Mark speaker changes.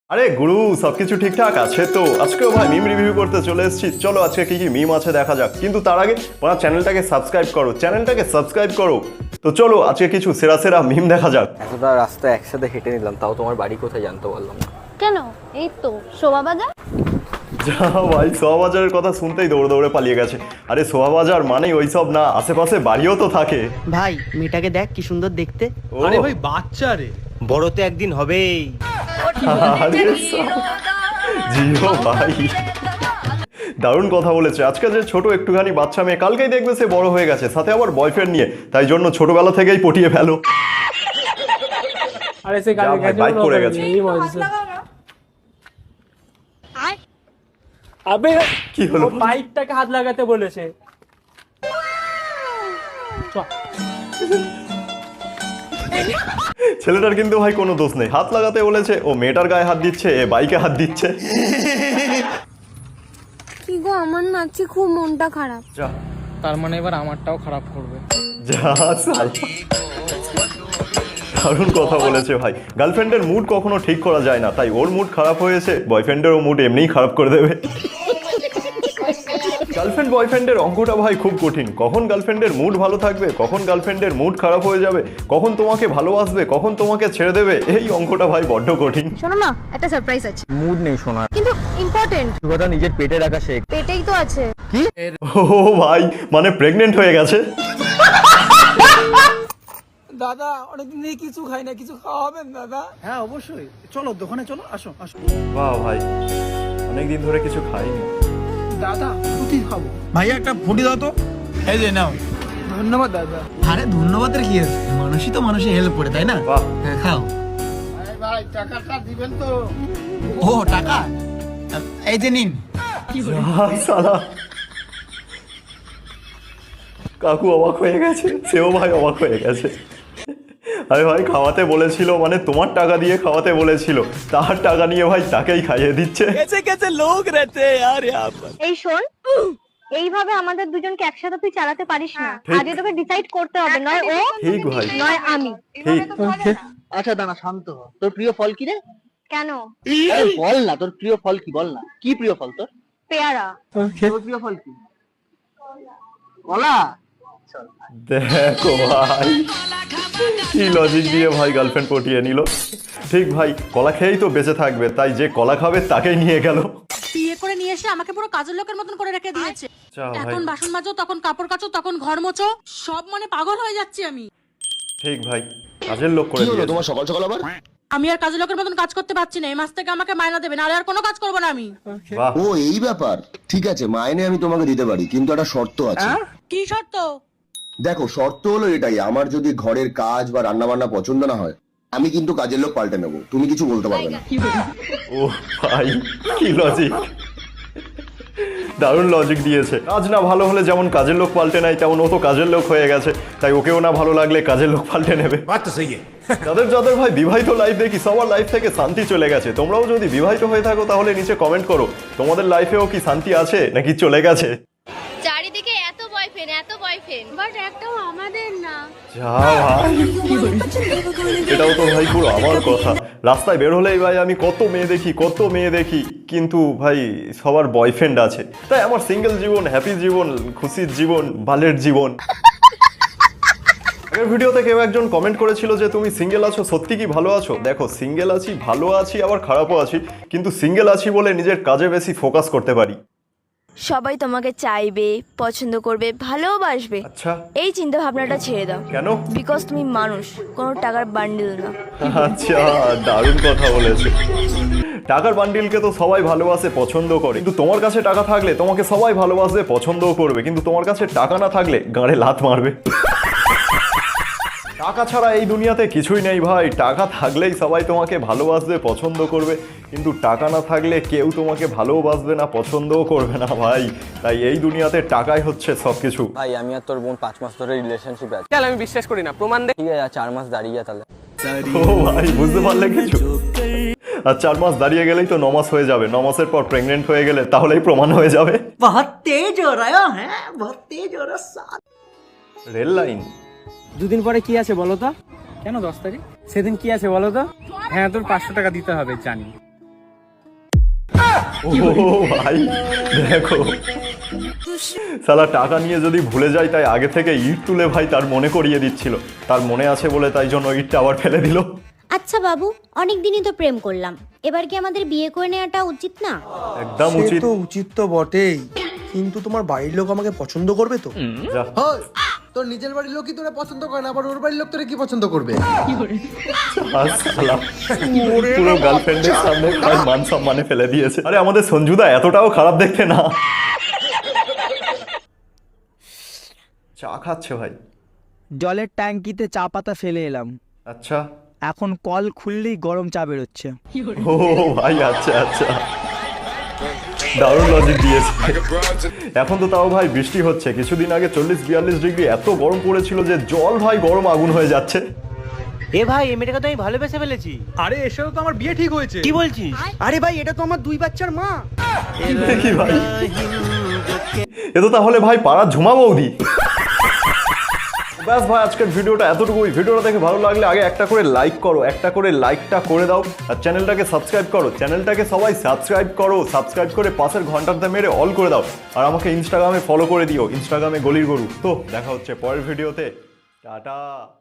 Speaker 1: আরে গুরু, সবকিছু ঠিকঠাক আছে তো? আজকেও ভাই মিম রিভিউ করতে চলে এসেছি। চলো আজকে কি কি মিম আছে দেখা যাক, কিন্তু তার আগে আমার চ্যানেলটাকে সাবস্ক্রাইব করো। তো চলো আজকে কিছু সেরা সেরা মিম দেখা যাক।
Speaker 2: এতটা রাস্তা একসাথে হেঁটে নিলাম, তাও তোমার বাড়ি কোথায় জানতে পারলাম না।
Speaker 3: কেন? এই তো শোভাবাজার।
Speaker 1: যা ভাই, সোহাবাজারের কথা শুনতেই দৌড়ে দৌড়ে পালিয়ে গেছে। আরে সোহাবাজার মানেই ওইসব না, আশেপাশে বাড়িও তো থাকে।
Speaker 4: ভাই মেয়েটাকে দেখ কি সুন্দর দেখতে।
Speaker 1: ও,
Speaker 5: আরে ভাই বাচ্চা রে,
Speaker 6: বড় তো একদিন হবেই।
Speaker 1: আরে জিও ভাই, দারুণ কথা বলেছে। আজকে যে ছোট একটুখানি বাচ্চা মেয়ে, কালকেই দেখবে সে বড় হয়ে গেছে, সাথে আবার বয়ফ্রেন্ড নিয়ে, তাই জন্য ছোটবেলা থেকেই পটিয়ে ফেলো।
Speaker 5: আরে সে
Speaker 1: যা ভাই, বাইক পড়ে গেছে।
Speaker 5: এই বলছে আবে
Speaker 1: কি হলো?
Speaker 5: ও বাইকটাকে হাত লাগাতে বলেছে।
Speaker 1: ছেলেটার কিন্তু ভাই কোনো দোষ নেই, হাত লাগাতে বলেছে, ও মেয়েটার গায়ে হাত দিচ্ছে, এ বাইকে হাত দিচ্ছে।
Speaker 3: কি গো, আমার নাচে খুব মনটা খারাপ।
Speaker 1: যা
Speaker 5: তার মানে এবার আমারটাও খারাপ করবে।
Speaker 1: যা সালা। দারুণ কথা বলেছে ভাই। গার্লফ্রেন্ডের মুড কখনো ঠিক করা যায় না, তাই ওর মুড খারাপ হয়েছে, বয়ফ্রেন্ডেরও মুড এমনিই খারাপ করে দেবে। গার্লফ্রেন্ড বয়ফ্রেন্ডের অঙ্কটা ভাই খুব কঠিন। কখন গার্লফ্রেন্ডের মুড ভালো থাকবে, কখন গার্লফ্রেন্ডের মুড খারাপ হয়ে যাবে, কখন তোমাকে ভালোবাসবে, কখন তোমাকে ছেড়ে দেবে, এই অঙ্কটা ভাই বড্ড কঠিন।
Speaker 3: শোনো না, একটা সারপ্রাইজ আছে,
Speaker 2: মুড নেই শোনার,
Speaker 3: কিন্তু ইম্পর্টেন্ট।
Speaker 2: কথা নিজের পেটে রাখা শেখ।
Speaker 3: পেটেই তো আছে।
Speaker 1: ও ভাই, মানে প্রেগনেন্ট হয়ে গেছে।
Speaker 7: দাদা অনেকদিন থেকে কিছু খাই না, কিছু খাওয়াবেন দাদা?
Speaker 8: হ্যাঁ অবশ্যই, চলো দোকানে চলো, আসো আসো।
Speaker 1: বাহ ভাই, অনেকদিন ধরে কিছু খাইনি।
Speaker 7: দাদা ফুটি খাবো।
Speaker 8: ভাইয়া একটা ফুটি দাও তো। এই যে নাও।
Speaker 7: ধন্যবাদ দাদা।
Speaker 8: আরে ধন্যবাদের কি আছে, মানুষই তো মানুষের হেল্প করে, তাই না?
Speaker 1: বাহ,
Speaker 8: হ্যাঁ খাও।
Speaker 7: ভাই টাকাটা দিবেন তো?
Speaker 8: ও টাকা, এই যে নিন।
Speaker 1: সালা কাকু অবাক হয়ে গেছে, সেও ভাই অবাক হয়ে গেছে। আরে ভাই, খাওয়াতে বলেছিল মানে তোমার টাকা দিয়ে খাওয়াতে বলেছিল, তার টাকা নিয়ে ভাই তাকেই খাইয়ে দিচ্ছে।
Speaker 3: এই শোন, এইভাবে আমাদের দুজনকে একসাথে তুই চালাতে পারিস না।
Speaker 1: ঠিক।
Speaker 3: আগে তোকে ডিসাইড করতে হবে, নয় ও
Speaker 1: ঠিক ভাই,
Speaker 3: নয় আমি।
Speaker 1: ঠিক।
Speaker 4: আচ্ছা দাঁড়া, শান্ত হ। তোর প্রিয় ফল কি রে?
Speaker 3: কেন?
Speaker 4: আরে বল না, তোর প্রিয় ফল কি, বল না। কি প্রিয় ফল তোর?
Speaker 3: পেয়ারা।
Speaker 4: তোর প্রিয় ফল কি? কলা।
Speaker 1: দেখো ভাই, কি লজিক দিয়ে ভাই গার্লফ্রেন্ড পটিয়ে নিল। ঠিক ভাই, কলা খেয়েই তো বেঁচে থাকবে, তাই যে কলা খাবে তাকেই নিয়ে গেল।
Speaker 9: বিয়ে করে নিয়ে এসে আমাকে পুরো কাজের লোকের মতন করে রেখে দিয়েছে।
Speaker 1: যা ভাই,
Speaker 9: এখন বাসন মাজো, তখন কাপড় কাচো, তখন ঘর মোছো, সব মানে পাগল হয়ে যাচ্ছি আমি।
Speaker 1: ঠিক ভাই, কাজের লোক করে দিয়েছে।
Speaker 6: তোমার সকাল সকাল আবার?
Speaker 9: আমি আর কাজের লোকের মতন কাজ করতে পারছি না। এই মাস থেকে আমাকে মাইনা দেবে, নাহলে আর কোনো কাজ করবো না আমি।
Speaker 1: বাহ,
Speaker 6: ও এই ব্যাপার, ঠিক আছে মাইনে আমি তোমাকে দিতে পারি, কিন্তু একটা শর্ত আছে।
Speaker 9: কি শর্ত?
Speaker 6: দেখো শর্ত হলো এটাই, আমার যদি ঘরের কাজ বা রান্না বান্না পছন্দ না হয়, আমি কিন্তু কাজের লোক পাল্টে নেবো, তুমি কিছু বলতে পারবে না।
Speaker 1: ও ভাই, কি লজিক, দারুণ লজিক দিয়েছে। কাজ না ভালো হলে যেমন কাজের লোক পাল্টে নেয়, তেমন ও তো কাজের লোক হয়ে গেছে, তাই ওকেও না ভালো লাগলে কাজের লোক পাল্টে নেবে। যাদের যাদের ভাই বিবাহিত লাইফ দেখি, সবার লাইফ থেকে শান্তি চলে গেছে। তোমরাও যদি বিবাহিত হয়ে থাকো তাহলে নিচে কমেন্ট করো, তোমাদের লাইফেও কি শান্তি আছে নাকি চলে গেছে।
Speaker 3: চারিদিকে এত বয়ফ্রেন্ড, বাট একটাও আমাদের না।
Speaker 1: যা ভাই, এটাও তো ভাই পুরো আমার কথা। রাস্তায় বের হলেই ভাই আমি কত মেয়ে দেখি, কিন্তু ভাই সবার বয়ফ্রেন্ড আছে, তাই আমার সিঙ্গেল জীবন, হ্যাপি জীবন, খুশির জীবন, বালের জীবন। আগের ভিডিওতে কেউ একজন কমেন্ট করেছিল যে তুমি সিঙ্গেল আছো, সত্যি কি ভালো আছো? দেখো, সিঙ্গেল আছি, ভালো আছি, আবার খারাপও আছি, কিন্তু সিঙ্গেল আছি বলে নিজের কাজে বেশি ফোকাস করতে পারি।
Speaker 10: সবাই তোমাকে চাইবে, পছন্দ করবে, ভালোবাসবে,
Speaker 1: আচ্ছা,
Speaker 10: এই চিন্তা ভাবনাটা ছেড়ে দাও।
Speaker 1: কেন?
Speaker 10: বিকজ তুমি মানুষ, কোনো টাকার বান্ডিল না।
Speaker 1: আচ্ছা, দারুণ কথা বলেছে। টাকার বান্ডিলকে তো সবাই ভালোবাসে, পছন্দ করে, কিন্তু তোমার কাছে টাকা থাকলে তোমাকে সবাই ভালোবাসবে, পছন্দও করবে, কিন্তু তোমার কাছে টাকা না থাকলে গাঁড়ে লাথ মারবে। টাকা ছাড়া এই দুনিয়াতে কিছুই নেই ভাই। টাকা থাকলেই সবাই তোমাকে ভালোবাসবে, পছন্দ করবে, কিন্তু টাকা না থাকলে কেউ তোমাকে ভালোবাসবে না, পছন্দও করবে না ভাই। তাই এই দুনিয়াতে টাকাই হচ্ছে সবকিছু।
Speaker 2: ভাই আমি আর তোর বোন 5 মাস ধরে রিলেশনশিপ আছে।
Speaker 7: চল আমি বিশ্বাস করি না, প্রমাণ দে।
Speaker 2: ঠিক আছে 4 মাস দাঁড়িয়ে যা তাহলে।
Speaker 1: ও ভাই, বুঝতে পারলে কিছু? আর 4 মাস দাঁড়িয়ে গেলেই তো 9 মাস হয়ে যাবে, 9 মাসের পর প্রেগনেন্ট হয়ে গেলে তাহলেই প্রমাণ হয়ে যাবে।
Speaker 4: বহুত তেজ হো রহা হ্যাঁ, বহুত তেজ হো রহা।
Speaker 1: Rail line.
Speaker 5: দুদিন পরে কি আছে বলো তো? কেন 10 তারিখ? সেদিন কি আছে বলো তো? হ্যাঁ তোর 500 টাকা দিতে হবে জানি।
Speaker 1: ও ভাই দেখো, সালা টাকা নিয়ে যদি ভুলে যায় তাই আগে থেকে ইট তুলে ভাই তার মনে করিয়ে দিচ্ছিল, তার মনে আছে বলে তাই জন্য ইটটা আবার ফেলে দিল।
Speaker 9: আচ্ছা বাবু, অনেক দিনই তো প্রেম করলাম, এবার কি আমাদের বিয়ে করে নেওয়াটা উচিত না?
Speaker 1: একদম উচিত।
Speaker 7: তো উচিত তো বটেই, কিন্তু তোমার বাড়ির লোক আমাকে পছন্দ করবে তো?
Speaker 1: যা।
Speaker 7: তোর নিজের বাড়ির লোকই তোরা পছন্দ করে না, আবার ওর বাড়ির লোক তোরা কি পছন্দ করবে?
Speaker 1: আর শালা পুরো গার্লফ্রেন্ডের সামনে ভাই মান সম্মানে ফেলে দিয়েছে। আরে আমাদের সঞ্জুদা এতটাও খারাপ দেখতে না। চা খাচ্ছে ভাই?
Speaker 5: জলের ট্যাঙ্কিতে চা পাতা ফেলে এলাম,
Speaker 1: আচ্ছা,
Speaker 5: এখন কল খুললেই গরম চা বেরোচ্ছে।
Speaker 1: ও ভাই আচ্ছা আচ্ছা, দারুণ লজিক দিয়েছে। এখন তো তাও ভাই বৃষ্টি হচ্ছে, কিছুদিন আগে 40-42 ডিগ্রি এত গরম পড়েছিল যে জল ভাই গরম আগুন হয়ে যাচ্ছে।
Speaker 5: এ ভাই, এই মেয়েটাকে তো আমি ভালোবেসে ফেলেছি।
Speaker 7: আরে এসব তো আমার বিয়ে ঠিক হয়েছে।
Speaker 5: কি বলছিস?
Speaker 7: আরে ভাই, এটা তো আমার 2 বাচ্চার মা।
Speaker 1: কি ভাই, এ তো তাহলে ভাই পাড়ার ঝুমা বৌদি। ব্যাস ভাই, আজকের ভিডিওটা এতটুকুই। ভিডিওটা দেখে ভালো লাগলে আগে একটা করে লাইক করো, একটা করে লাইকটা করে দাও, আর চ্যানেলটাকে সাবস্ক্রাইব করো। চ্যানেলটাকে সবাই সাবস্ক্রাইব করো, সাবস্ক্রাইব করে পাশের ঘন্টাটা মেরে অল করে দাও। আর আমাকে ইনস্টাগ্রামে ফলো করে দিও, ইনস্টাগ্রামে গলির গরু। তো দেখা হচ্ছে পরের ভিডিওতে, টাটা।